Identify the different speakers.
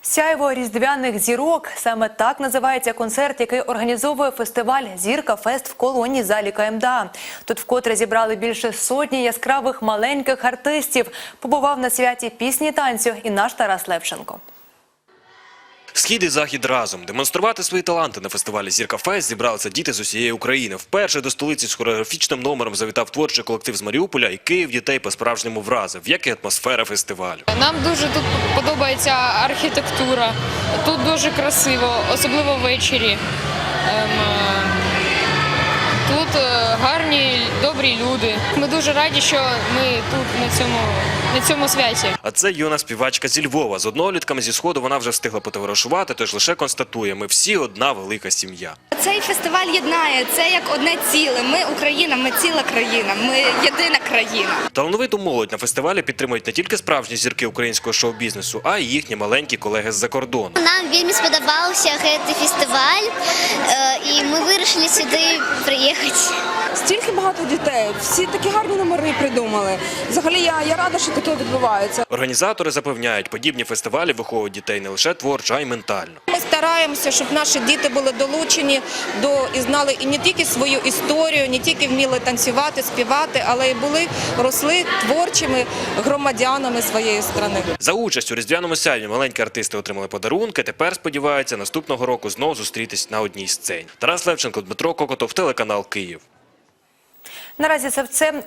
Speaker 1: Сяйво різдвяних зірок – саме так називається концерт, який організовує фестиваль «Зірка Фест» в колонії залі КМДА. Тут вкотре зібрали більше сотні яскравих маленьких артистів. Побував на святі пісні танцю і наш Тарас Левченко.
Speaker 2: Схід і захід разом. Демонструвати свої таланти на фестивалі «Зірка Фест» зібралися діти з усієї України. Вперше до столиці з хореографічним номером завітав творчий колектив з Маріуполя, і Київ дітей по-справжньому вразив, як і атмосфера фестивалю.
Speaker 3: Нам дуже тут подобається архітектура, тут дуже красиво, особливо ввечері. Тут гарні, добрі люди. Ми дуже раді, що ми тут на цьому святі.
Speaker 2: А це юна співачка зі Львова. З однолітками зі Сходу вона вже встигла потоваришувати, тож лише констатує – ми всі одна велика сім'я.
Speaker 4: Цей фестиваль єднає, це як одне ціле. Ми Україна, ми ціла країна, ми єдина країна.
Speaker 2: Талановиту молодь на фестивалі підтримують не тільки справжні зірки українського шоу-бізнесу, а й їхні маленькі колеги з-за кордону.
Speaker 5: Нам вельми сподобався цей фестиваль, і ми вирішили сюди приїхати.
Speaker 6: Стільки багато дітей, всі такі гарні номери придумали. Взагалі я рада, що таке відбувається.
Speaker 2: Організатори запевняють, подібні фестивалі виховують дітей не лише творчо, а й ментально.
Speaker 7: Ми стараємося, щоб наші діти були долучені і знали і не тільки свою історію, не тільки вміли танцювати, співати, але й росли творчими громадянами своєї країни.
Speaker 2: За участь у різдвяному сяйві маленькі артисти отримали подарунки, тепер сподіваються наступного року знову зустрітись на одній сцені. Тарас Левченко, Дмитро Кокотов, телеканал Київ.
Speaker 1: Наразі це все.